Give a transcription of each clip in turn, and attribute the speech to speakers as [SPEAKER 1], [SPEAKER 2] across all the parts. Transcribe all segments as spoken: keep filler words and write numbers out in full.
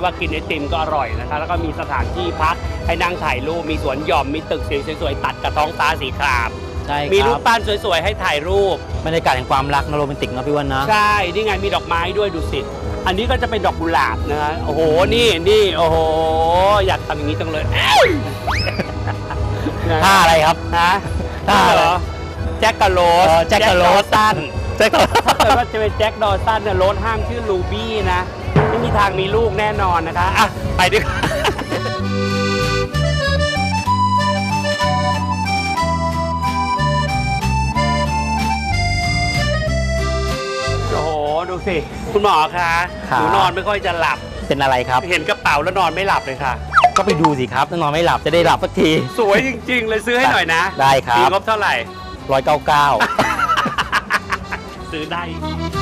[SPEAKER 1] ที่ว่ากินไอติมก็อร่อยนะคะแล้วก็มีสถานที่พักให้นั่งถ่ายรูปมีสวนหย่อมมีตึกสวยๆตัดกับท้องฟ้าสีคราม
[SPEAKER 2] ใช่ครับ
[SPEAKER 1] มีรูปปั้นสวยๆให้ถ่ายรูป
[SPEAKER 2] บรรยากาศแห่งความรักนะโรแมนติกนะพี่อ้วนนะ
[SPEAKER 1] ใช่นี่ไงมีดอกไม้ด้วยดูสิอันนี้ก็จะเป็นดอกกุหลาบนะฮะโอ้โหนี่นี่โอ้โหอยากทำอย่างนี้จังเลย
[SPEAKER 2] ท่าอะไรครับ
[SPEAKER 1] ฮะ
[SPEAKER 2] ท่าเหรอ
[SPEAKER 1] แจ็คกะโรส
[SPEAKER 2] แจ็คกะโรส
[SPEAKER 1] ตัน
[SPEAKER 2] แจ็คกะโรส
[SPEAKER 1] ถ้าเกิดว่าจะเป็นแจ็คดอสันเนี่ยรถห้างชื่อลูบี้นะไม่มีทางมีลูกแน่นอนนะคะอ่ะไปดีกว่าโอ้โหดูสิคุณหมอคะหนูนอนไม่ค่อยจะหลับ
[SPEAKER 2] เป็นอะไรครับ
[SPEAKER 1] เห็นกระเป๋าแล้วนอนไม่หลับเลยค่ะ
[SPEAKER 2] ก็ไปดูสิครับนอนไม่หลับจะได้หลับสักที
[SPEAKER 1] สวยจริงๆเลยซื้อให้หน่อยนะ
[SPEAKER 2] ได้ครับ
[SPEAKER 1] มีงบเท่าไหร่
[SPEAKER 2] ร้อยเก้าเก้า
[SPEAKER 1] ซื้อได้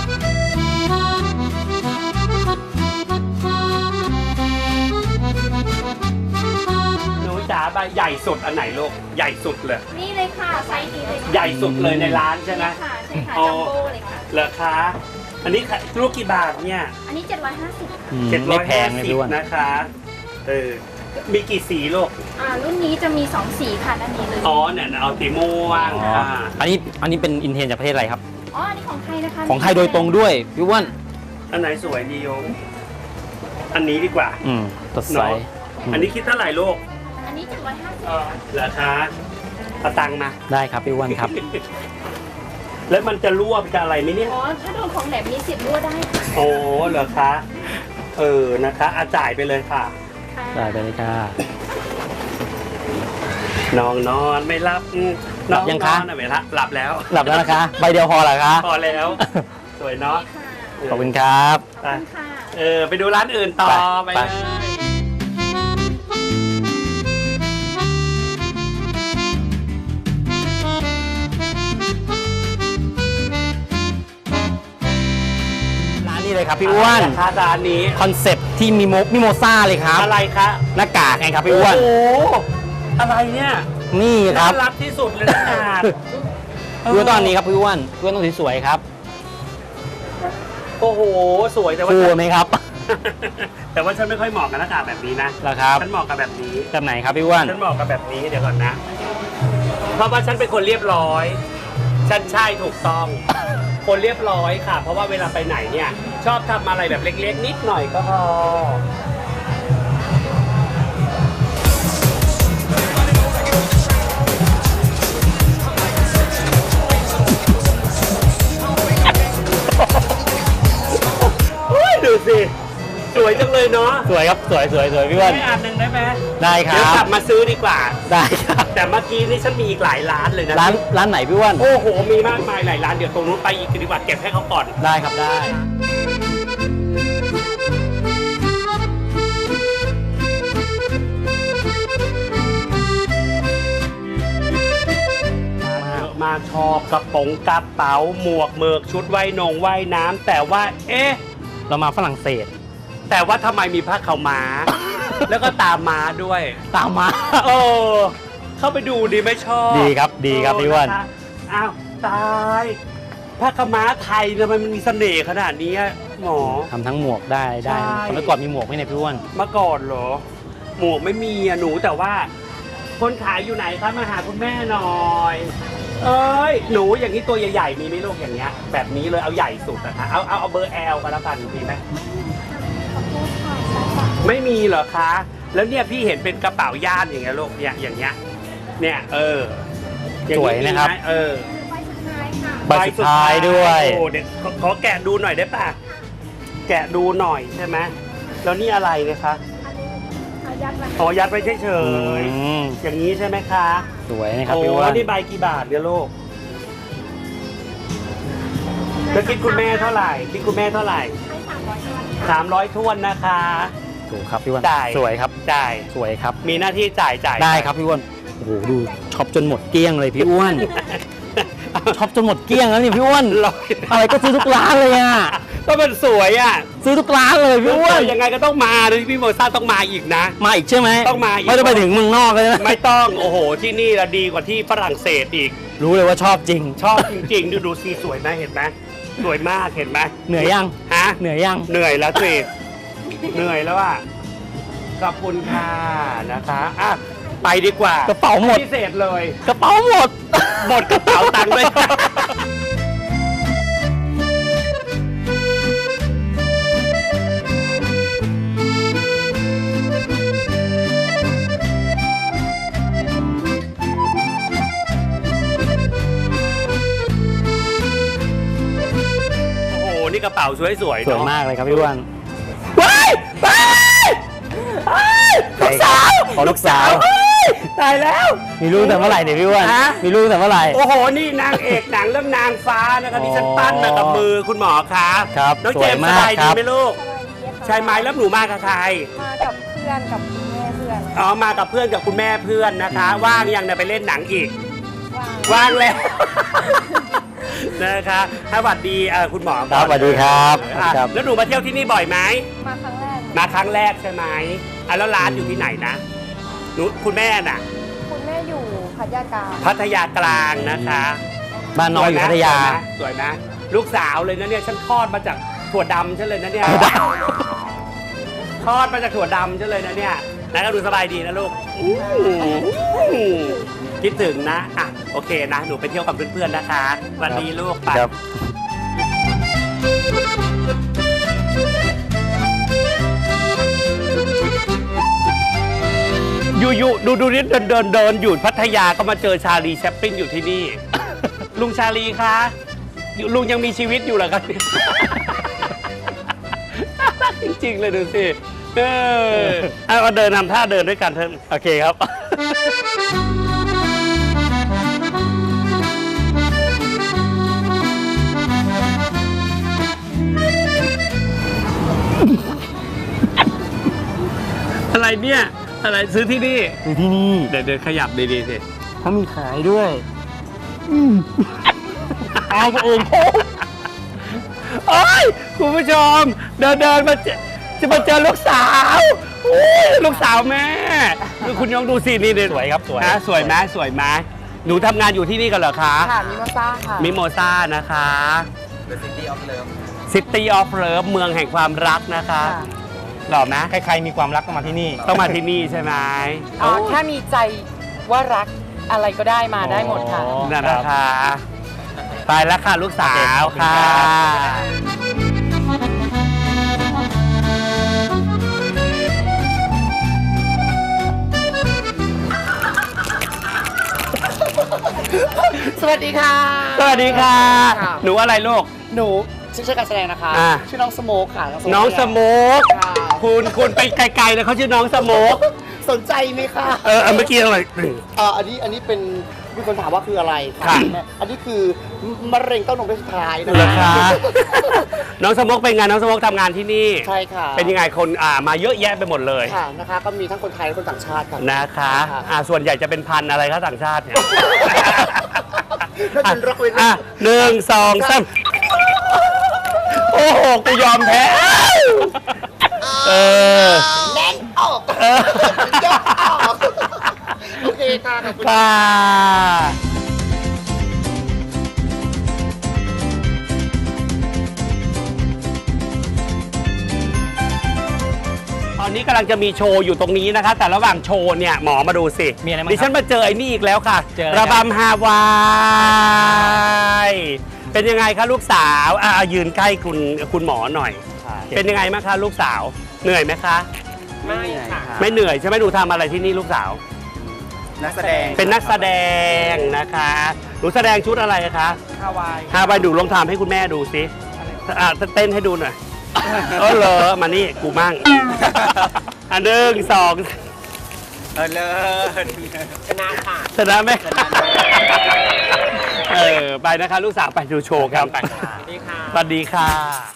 [SPEAKER 1] หนูจ๋าใบใหญ่สุดอันไหนลูกใหญ่สุดเลย
[SPEAKER 3] นี่เลยค่ะไซส์นี้เลย
[SPEAKER 1] ใหญ่สุดเลยในร้านใช่ไหม
[SPEAKER 3] ค่ะใช่ค่ะจัมโบ้เลยค่ะ
[SPEAKER 1] เหรอคะอันนี้ลูกกี่บาทเนี่ย
[SPEAKER 3] อันนี้เจ็ดร้อยห้าสิบ
[SPEAKER 1] เจ็ดร้อยห้าสิบนะคะเออมีกี่สีลูก
[SPEAKER 3] อ่ารุ่นนี้จะมีสองสีค่ะด้านนี้เลย
[SPEAKER 1] อ๋อเนี่ยเอาสีม่วง
[SPEAKER 2] อ่าอันนี้อันนี้เป็นอินเทนจากประเทศอะไรครับ
[SPEAKER 3] อ๋ออันนี้ของไทยนะคะ
[SPEAKER 2] ของไทยโดยตรงด้วยพี่อ้วน
[SPEAKER 1] อันไหนสวยดีโยมอันนี้ดีกว่า
[SPEAKER 2] อืมสดใส
[SPEAKER 1] อันนี้คิดเท่าไหร่ลูก
[SPEAKER 3] อันนี้เจ็ดร้อยห้าสิบ
[SPEAKER 1] ราคาเอาตังค์มา
[SPEAKER 2] ได้ครับพี่อ้วนครับ
[SPEAKER 1] แล้วมันจะรั่วจะอะไรไหมเนี่ย
[SPEAKER 3] อ๋อถ้าโดนของแหลมมีสิทธิ์รั่วได้
[SPEAKER 1] โอ้เหรอคะเออนะคะอาจ่ายไปเลยค่ะ
[SPEAKER 2] ได้ไปเลยค่ะ
[SPEAKER 1] น้องนอนไม่รับ
[SPEAKER 2] หลับยังคะ
[SPEAKER 1] ไม่รับหลับแล้ว
[SPEAKER 2] หลับแล้วนะคะใบเดียวพอเหรอคะ
[SPEAKER 1] พอแล้วสวยเนาะ
[SPEAKER 2] ขอบคุณครับ
[SPEAKER 1] เออไปดูร้านอื่นต่อไปเลย
[SPEAKER 2] นี่เลยครับพี่อ้วน
[SPEAKER 1] ค่าร้านนี้
[SPEAKER 2] คอนเซ็ปต์ที่มีโมมิโมซ่าเลยครับ
[SPEAKER 1] อะไรคะ
[SPEAKER 2] หน้ากากไงครับพี่อ้วน
[SPEAKER 1] โอ้อะไรเนี่ย
[SPEAKER 2] นี่ครับ
[SPEAKER 1] น่ารักที่สุดเลยหน้ากาก
[SPEAKER 2] ดูตอนนี้ครับพี่อ้วนพี่อ้วนต้องสวยครับ
[SPEAKER 1] โอ้โหสวยแต่ว่า
[SPEAKER 2] ฟูไหมครับ
[SPEAKER 1] แต่ว่าฉันไม่ค่อยเหมาะกับหน้ากากแบบนี้นะ
[SPEAKER 2] หรอครับ
[SPEAKER 1] ฉันเหมาะกับแบบนี้
[SPEAKER 2] แบบไหนครับพี่อ้วน
[SPEAKER 1] ฉันเหมาะกับแบบนี้เดี๋ยวก่อนนะเพราะว่าฉันเป็นคนเรียบร้อยฉันใช่ถูกต้องคนเรียบร้อยค่ะเพราะว่าเวลาไปไหนเนี่ยชอบทำอะไรแบบเล็กๆนิดหน่อยก็พอดูสิสวยจังเลยเนาะ
[SPEAKER 2] สวยครับสวยสวยสวยพี่อ้วน
[SPEAKER 1] ให้อันหนึ่งได้ไหม
[SPEAKER 2] ได้ครับ
[SPEAKER 1] เดี๋ยวกลับมาซื้อดีกว่า
[SPEAKER 2] ได้ครับ
[SPEAKER 1] แต่เมื่อกี้นี่ฉันมีอีกหลายร้านเลยนะ
[SPEAKER 2] ร้านร้านไหนพี่อ้วน
[SPEAKER 1] โอ้โหมีมากมายหลายร้านเดี๋ยวตรงนู้นไปอีกดีกว่าเก็บให้เขาก่อน
[SPEAKER 2] ได้ครับได้
[SPEAKER 1] มาชอบกระป๋องกระเป๋าหมวกเมือกชุดว่ายนงว่ายน้ำแต่ว่าเอ๊ะ
[SPEAKER 2] เรามาฝรั่งเศส
[SPEAKER 1] แต่ว่าทำไมมีผ้าขาวม้า แล้วก็ตามม้าด้วย
[SPEAKER 2] ตามม้า
[SPEAKER 1] โอ้เข้าไปดูดีไม่ชอบ
[SPEAKER 2] ดีครับดีครับพี่อ้วน
[SPEAKER 1] อ้าวตายผ้าขาวม้าไทยทำไมมันมีเสน่ห์ขนาดนี้หมอ
[SPEAKER 2] ทำทั้งหมวกได้ได้เมื่อก่อนมีหมวกไหมเนี่ยพี่อ้วน
[SPEAKER 1] เมื่อก่อนเหรอหมวกไม่มีอะหนูแต่ว่าคนขายอยู่ไหนคะมาหาคุณแม่หน่อยเอ้ยหนูอย่างนี้ตัวใหญ่ๆมีไหมลูกอย่างเงี้ยแบบนี้เลยเอาใหญ่สุดนะคะเอาเอาเอาเบอร์แอลกันแล้วกันมีไหมไม่มีเหรอคะแล้วเนี่ยพี่เห็นเป็นกระเป๋าย่ามอย่างเงี้ยลูกเนี่ยอย่างเงี้ยเนี่ยเออ
[SPEAKER 2] สวยนะครับ
[SPEAKER 1] เออ
[SPEAKER 2] ใบสุดท้ายด้วย
[SPEAKER 1] โอ้เดี๋ยวขอแกะดูหน่อยได้ป่ะแกะดูหน่อยใช่ไหมแล้วนี่อะไรนะคะอ๋อยัดไว้เฉยๆอย่างนี้ใช่ไหมคะ
[SPEAKER 2] สวยนะครับพี่ว่า
[SPEAKER 1] นี่ใบกี่บาทเนี่ยลูกแล้วคิดคุณแม่เท่าไหร่คิดคุณแม่เท่าไหร่สามร้อยท้วนนะคะ
[SPEAKER 2] ถูกครับพี่ว่า
[SPEAKER 1] จ่าย
[SPEAKER 2] สวยครับ
[SPEAKER 1] จ่าย
[SPEAKER 2] สวยครับ
[SPEAKER 1] มีหน้าที่จ่ายจ่าย
[SPEAKER 2] ได้ครับพี่อ้วนโอ้โหดูช็อปจนหมดเกลี้ยงเลยพี่อ้วนช็อปจนหมดเกลี้ยงแล้วนี่พี่อ้วนอะไรก็ซื้อทุกร้านเลยอ่ะ
[SPEAKER 1] ก็มันสวยอ่ะ
[SPEAKER 2] ซื้อทุกร้านเลยพี่อ้วน
[SPEAKER 1] ยังไงก็ต้องมาเลยพี่โมซ่าต้องมาอีกนะ
[SPEAKER 2] มาอีกใช่ไหม
[SPEAKER 1] ต้องมาอีก
[SPEAKER 2] ไม่ต้องไปถึงเมืองนอกเลยนะ
[SPEAKER 1] ไม่ต้องโอ้โหที่นี่ละดีกว่าที่ฝรั่งเศสอีก
[SPEAKER 2] รู้เลยว่าชอบจริง
[SPEAKER 1] ชอบจริงๆดูดูซีสวยไหมเห็นไหมสวยมากเห็นไหม
[SPEAKER 2] เหนื่อยยัง
[SPEAKER 1] ฮะ
[SPEAKER 2] เหนื่อยยัง
[SPEAKER 1] เหนื่อยแล้วสิเหนื่อยแล้วอ่ะขอบคุณค่ะนะคะอ่ะไปดีกว่าก
[SPEAKER 2] ระเป๋าหมด
[SPEAKER 1] พิเศษเลย
[SPEAKER 2] กระเป๋าหมด
[SPEAKER 1] หมดกระเป๋าตังค์ด้วยค่ะโอ้โหนี่กระเป๋าสวยๆ
[SPEAKER 2] สวย
[SPEAKER 1] เนาะ
[SPEAKER 2] มากเลยครับพี่อ้วน
[SPEAKER 1] ว้ายว้ายว้ายลูกสาว
[SPEAKER 2] ขอลูกสาว
[SPEAKER 1] เฮ้ยตายแล้ว
[SPEAKER 2] มีลูกแต่เมื่อไหร่เนี่ยพี่อ้วน
[SPEAKER 1] ฮะ
[SPEAKER 2] มีลูกแต่เมื่อไหร่
[SPEAKER 1] โอ้โห นี่นางเอกหนังเรื่องนางฟ้านะครับที่ฉันปั้นมากับมือคุณหมอครับ
[SPEAKER 2] ครับ
[SPEAKER 1] น้อง
[SPEAKER 2] ส
[SPEAKER 1] เจ
[SPEAKER 2] วย
[SPEAKER 1] มส์ส
[SPEAKER 2] มาก
[SPEAKER 1] บาย
[SPEAKER 2] ค
[SPEAKER 1] ดี
[SPEAKER 2] รับ
[SPEAKER 1] ไหมลูก
[SPEAKER 3] สวัสดีค่ะ
[SPEAKER 1] ใช่ไหมแล้วหนูมากับใคร
[SPEAKER 3] มากับเพื่อนกับคุณแม่เพื่อน
[SPEAKER 1] อ๋อ มากับเพื่อนกับคุณแม่เพื่อนนะคะ ว่างยังเนี่ยไปเล่นหนังอีก
[SPEAKER 3] ว่าง
[SPEAKER 1] ว่างแล้ว นะคะสวัสดีเอ่อคุณหมอ
[SPEAKER 2] ครับสวัสดีครับ
[SPEAKER 1] อ่ะ
[SPEAKER 2] ครับ
[SPEAKER 1] แล้วหนูมาเที่ยวที่นี่บ่อยไหม
[SPEAKER 3] มาครั้งแรก
[SPEAKER 1] มาครั้งแรกใช่ไหมอ่ะแล้วร้านอยู่ที่ไหนนะหนูคุณแม่น่ะ
[SPEAKER 3] คุณแม่อยู่พัทยากลาง
[SPEAKER 1] พัทยากลางนะคะ
[SPEAKER 2] บ้านน้อยอยู่พัทยา
[SPEAKER 1] สวยไหมลูกสาวเลยนะเนี่ยฉันคลอดมาจากถั่วดำฉันเลยนะเนี่ยคลอดมาจากถั่วดำฉันเลยนะเนี่ยนะก็ดูสบายดีนะลูกอื้อคิดถึงนะอ่ะโอเคนะหนูไปเที่ยวกับเพื่อนๆนะคะสวันดีลูกไป
[SPEAKER 2] ครับ
[SPEAKER 1] อยู่ๆดูดูนี่เดินเดินเดินอยู่พัทยาก็มาเจอชาลีแชปปินอยู่ที่นี่ ลุงชาลีคะอยู่ลุงยังมีชีวิตอยู่เหรอครับ น่ารักจริงๆเลยดูสิเออเอาเดินนำท่าเดินด้วยกันเถอะโอเคครับ อะไรเนี่ย อะไรซื้อที่นี่
[SPEAKER 2] อยู่ที่นี่
[SPEAKER 1] เดี๋ยวเดินขยับดีๆสิ
[SPEAKER 2] เขามีขายด้วยอายกันเอง
[SPEAKER 1] โอ้ยคุณผู้ชม เดินเดินมาเจอจะมาเจอลูกสาวโอ้ยลูกสาวแม่ดูคุณยองดูสินี่เด็
[SPEAKER 2] สวยครับสวย
[SPEAKER 1] นะสวยไหมสวยไหมหนูทำงานอยู่ที่นี่กันเหรอคะ
[SPEAKER 3] ค่ะมิโมซ่าค่ะ
[SPEAKER 1] มิโมซ่านะคะ
[SPEAKER 4] The City of Love
[SPEAKER 1] City of Love เมืองแห่งความรักนะคะหล่อไหม
[SPEAKER 2] ใครๆมีความรักต้องมาที่นี่
[SPEAKER 1] ต้องมาที่นี่ใช่ไหม
[SPEAKER 5] อ๋อถ้ามีใจว่ารักอะไรก็ได้มาได้หมดค่ะ
[SPEAKER 2] อ๋อ
[SPEAKER 1] นั่นนะคะ ไปแล้วค่ะลูกสาวค่ะ
[SPEAKER 5] สวัสดีค่ะ
[SPEAKER 1] สวัสดีค่ะ
[SPEAKER 5] ค่ะ
[SPEAKER 1] หนูอะไรลูก
[SPEAKER 5] หนูชื่อชื่อการแสดงนะคะ
[SPEAKER 1] อ่า
[SPEAKER 5] ชื่อน้องสโมกค่ะ
[SPEAKER 1] น้องสโมก
[SPEAKER 5] ค่ะ
[SPEAKER 1] คุณคุณไปไกลๆเลยเขาชื่อน้องสโมก
[SPEAKER 5] สนใจไหมคะ
[SPEAKER 1] เออเอาเมื่อกี้อะไร
[SPEAKER 5] เอ่ออันนี้อันนี้เป็นมีคนถามว่าคืออะไร
[SPEAKER 1] ค่ะ
[SPEAKER 5] แม่อันนี้คือมะเร็งเต้านมเพศสุดท้ายนะ
[SPEAKER 1] เหรอคะน้องสโมกเป็นไงน้องสโมกทำงานที่นี่
[SPEAKER 5] ใช่ค่ะ
[SPEAKER 1] เป็นยังไงคนอ่ามาเยอะแยะไปหมดเลย
[SPEAKER 5] ค่ะนะคะ ก็มีทั้งคนไทยและคนต่างชาติค่ะ
[SPEAKER 1] นะคะ
[SPEAKER 5] ค่ะ
[SPEAKER 1] อ่าส่วนใหญ่จะเป็นพันธุ์อะไรคะต่างชาติเนี่ย
[SPEAKER 5] น่าจะรักเว้น
[SPEAKER 1] อ่ะหนึ่งสองสามโอ้โหกูยอมแพ้เออ
[SPEAKER 5] แน่นออก
[SPEAKER 1] เออ
[SPEAKER 5] ยกออกโอเคค่ะขอบคุณ
[SPEAKER 1] ค่ะตอนนี้กำลังจะมีโชว์อยู่ตรงนี้นะคะ แต่ระหว่างโชว์เนี่ยหมอมาดูสิ
[SPEAKER 2] มีอะไรบ้าง
[SPEAKER 1] ดิ
[SPEAKER 2] ค
[SPEAKER 1] ฉั
[SPEAKER 2] รับ
[SPEAKER 1] นมาเจอไอ้นี่อีกแล้วค่ะ
[SPEAKER 2] เจออะไร
[SPEAKER 1] ระ
[SPEAKER 2] ครับ
[SPEAKER 1] บำฮาวาย เป็นยังไงคะลูกสาวอ่ะยืนใกล้คุณคุณหมอหน่อย เป็นยังไงบ้างคะลูกสาว เหนื่อยไหมคะ
[SPEAKER 5] ไม่ค่ะ
[SPEAKER 1] ไม่เหนื่อยใช่ไหมหนูทำอะไรที่นี่ลูกสาว
[SPEAKER 4] นักแสดง
[SPEAKER 1] เป็นนักแสดงนะคะ หนูแสดงชุดอะไรคะ
[SPEAKER 5] ฮาวาย
[SPEAKER 1] ฮาวายดูลองทำให้คุณแม่ดูสิอ่ะเต้นให้ดูหน่อยเออเหรอมานี่กูมั่งอันหนึ่งสอง
[SPEAKER 4] เออเลิศ
[SPEAKER 5] ชนะค่ะ
[SPEAKER 1] ชนะไหมเออไปนะคะ ลูกสาวไปดูโชว์กันไป
[SPEAKER 5] นี่ค่ะ
[SPEAKER 1] สวัสดีค่ะ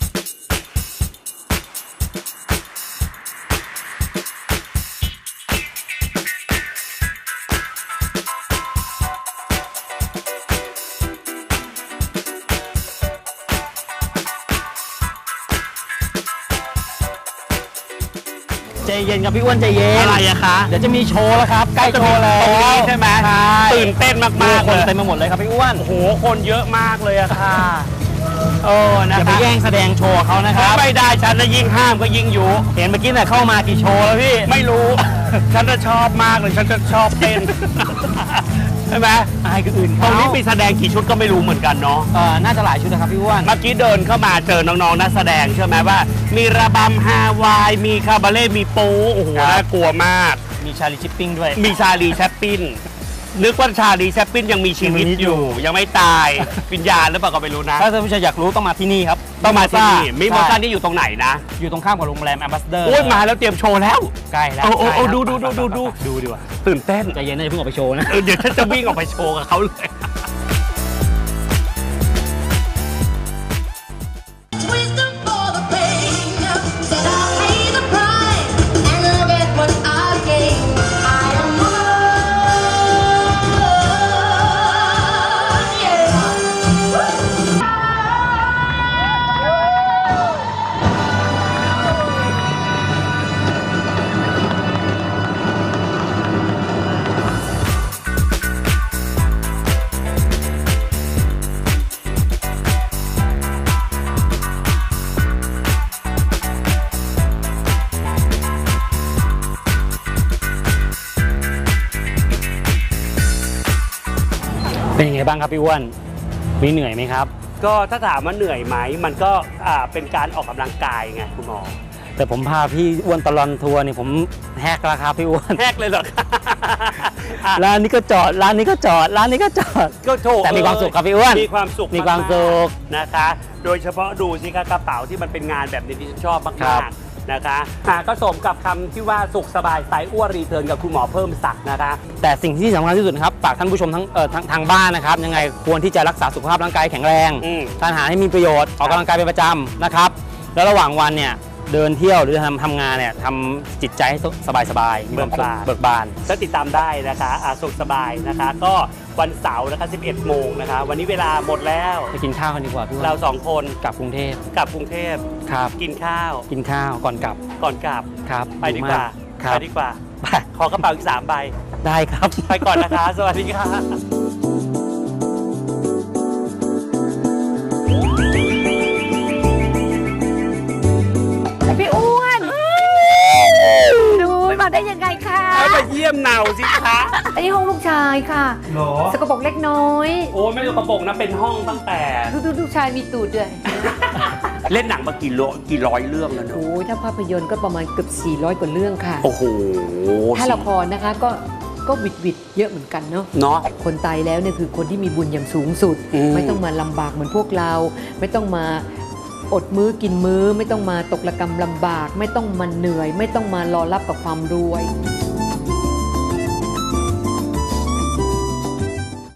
[SPEAKER 2] ใจเย็นครับพี่อ้วนใจเย็น
[SPEAKER 1] อะไรอะคะ
[SPEAKER 2] เดี๋ยวจะมีโชว์แล้วครับ ใกล้โชว์แล้
[SPEAKER 1] ตรงนี้
[SPEAKER 2] ว
[SPEAKER 1] ใช่ไหม
[SPEAKER 2] ใช่
[SPEAKER 1] ตื่นเต้นมากๆ
[SPEAKER 2] คน
[SPEAKER 1] เลย
[SPEAKER 2] เต็มไปหมดเลยครับพี่อ้วน
[SPEAKER 1] โอ้โห คนเยอะมากเลยอะค่ะเออนะ
[SPEAKER 2] อย่าไป
[SPEAKER 1] คะ
[SPEAKER 2] แย่งแสดงโชว์เขานะครับ
[SPEAKER 1] ไม่ได้ฉันจะยิ่งห้ามก็ยิ่งยุ
[SPEAKER 2] เห็นเมื่อกี้เนี่ยเข้ามากี่โชว์แล้วพี่
[SPEAKER 1] ไม่รู้ ฉันจะชอบมากเลย ฉันจะชอบเต้น ใช่ไหม
[SPEAKER 2] อายคนอื่น
[SPEAKER 1] ตร
[SPEAKER 2] เขา
[SPEAKER 1] งนี้มีแสดงกี่ชุดก็ไม่รู้เหมือนกันเนาะ
[SPEAKER 2] เออน่าจะหลายชุดนะครับพี่อ้วน
[SPEAKER 1] เมื่อกี้เดินเข้ามาเจอน้องๆนักแสดงใช่ไหมว่า มีระบำฮาวาย มีคาบาเล่มีโป๊โอ้โห
[SPEAKER 2] ครับ
[SPEAKER 1] น่ากลัวมาก
[SPEAKER 2] มีชาลีชิปปิ้งด้วย
[SPEAKER 1] มีชาลีแชปปินนึกว่าชาลีแชปปินยังมีชีวิต
[SPEAKER 2] ยังมีชีวิต
[SPEAKER 1] อ
[SPEAKER 2] อยู่
[SPEAKER 1] ยู่ ยังไม่ตาย วิญญาณหรือเปล่าก็ไม่รู้นะ
[SPEAKER 2] ถ้าท่านผู้ชมอยากรู้ต้องมาที่นี่ครับ
[SPEAKER 1] ต้องมาที่นี่มิโม
[SPEAKER 2] ใช่
[SPEAKER 1] ซ่านี่อยู่ตรงไหนนะ
[SPEAKER 2] อยู่ตรงข้ามกับโรงแรมแอมบาสเดอร์
[SPEAKER 1] โอ้ยมาแล้วเตรียมโชว์แล้ว
[SPEAKER 2] ใกล้แล้ว
[SPEAKER 1] โอ้โอ้โอ้
[SPEAKER 2] ใกล้แล้ว
[SPEAKER 1] ดูดูดูดูดู
[SPEAKER 2] ดูดีกว่า
[SPEAKER 1] ตื่นเต้น
[SPEAKER 2] ใจเย็นนะอย่าเพิ่งออกไปโชว์นะ
[SPEAKER 1] เออเดี๋ยวฉันจะวิ่งออกไปโชว์กับเขาเลย
[SPEAKER 6] Wisdom for the pain. Said I'll pay the price and look at what I gain. I am one. Yeah.
[SPEAKER 2] เป็นยังไงบ้างครับพี่อ้วน มีเหนื่อยไหมครับ
[SPEAKER 1] ก็ถ้าถามว่าเหนื่อยไหมมันก็อ่าเป็นการออกกำลังกายไงคุณหมอ
[SPEAKER 2] แต่ผมพาพี่อ้วนตลอนทัวร์นี่ผมแฮกราคาพี่อ้วน
[SPEAKER 1] แทกเลยเหรอคะอ่ะ
[SPEAKER 2] ร้านนี้ก็จอด ร้านนี้ก็จอด ร้านนี้ก็จอด
[SPEAKER 1] ก็โถ
[SPEAKER 2] แต่มีความสุขครับพี่อ้วน
[SPEAKER 1] มีความสุข
[SPEAKER 2] มีความสุข
[SPEAKER 1] มากๆนะคะ โดยเฉพาะดูสิคะกระเป๋าที่มันเป็นงานแบบนี้ที่ฉันชอบ
[SPEAKER 2] ครั
[SPEAKER 1] มาก
[SPEAKER 2] บ
[SPEAKER 1] ๆนะคะอ่ะก็สมกับคำที่ว่าสุขสบายสายอ้วนรีเทิร์นกับคุณหมอเพิ่มศักดิ์นะคะ
[SPEAKER 2] แต่สิ่งที่สำคัญที่สุดนะครับฝากท่านผู้ชมทั้งเอ่อทางทางบ้านนะครับ ยังไงควรที่จะรักษาสุขภาพร่างกายแข็งแรง
[SPEAKER 1] อืม
[SPEAKER 2] ทานอาหารให้มีประโยชน์ ออกกำลังกายเป็นประจำนะครับ แล้วระหว่างวันเนี่ยเดินเที่ยวหรือทำทำงานเนี่ยทำจิตใจให้สบายๆมีความสุขเบิกบาน
[SPEAKER 1] ก็ติดตามได้นะคะอ่ะสุขสบายนะคะ ก็วันเสาร์นะคะสิบเอ็ดโมงนะคะ วันนี้เวลาหมดแล้ว
[SPEAKER 2] ไปกินข้าวกันดีกว่าพี่อ้วน
[SPEAKER 1] เราสองคน
[SPEAKER 2] กลับกรุงเทพ
[SPEAKER 1] กลับกรุงเทพ
[SPEAKER 2] ครับ
[SPEAKER 1] กินข้าว
[SPEAKER 2] กินข้าวก่อนกลับ
[SPEAKER 1] ก่อนกลับ
[SPEAKER 2] ครับ
[SPEAKER 1] ไปดีกว่า
[SPEAKER 2] ครั
[SPEAKER 1] ไป
[SPEAKER 2] บ
[SPEAKER 1] ดีกว่า
[SPEAKER 2] ไป
[SPEAKER 1] ขอกระเป๋าอีกสามใบ
[SPEAKER 2] ได้ครับ
[SPEAKER 1] ไปก่อนนะคะ สวัสดีค่ะ
[SPEAKER 3] พี่อ้วนดูมาได้ยังไงคะ
[SPEAKER 1] เอาไปเยี่ยมเนาสิคะ
[SPEAKER 3] อันนี้ห้องลูกชายค่ะ
[SPEAKER 1] หรอ
[SPEAKER 3] สกปรกเล็กน้อย
[SPEAKER 1] โอ้ไม่ได้กระโปรงนะเป็นห้องตั้งแต่
[SPEAKER 3] ดูดูลูกชายมีตูดด้วย
[SPEAKER 1] เล่นหนังมากี่โลกี่ร้อยเรื่องแล้วเนอะ
[SPEAKER 3] โอ้ยถ้าภาพยนตร์ก็ประมาณเกือบสี่ร้อยกว่าเรื่องค่ะ
[SPEAKER 1] โอ้โห
[SPEAKER 3] ถ้าละครนะคะก็ก็วิดวิดเยอะเหมือนกันเนาะ
[SPEAKER 1] เนาะ
[SPEAKER 3] คนตายแล้วเนี่ยคือคนที่มีบุญอย่างสูงสุด
[SPEAKER 1] อืม
[SPEAKER 3] ไม่ต้องมาลำบากเหมือนพวกเรา ไม่ต้องมาอดมื้อกินมื้อ ไม่ต้องมาตกระกรรมลำบาก ไม่ต้องมาเหนื่อย ไม่ต้องมารอรับกับความรวย
[SPEAKER 6] I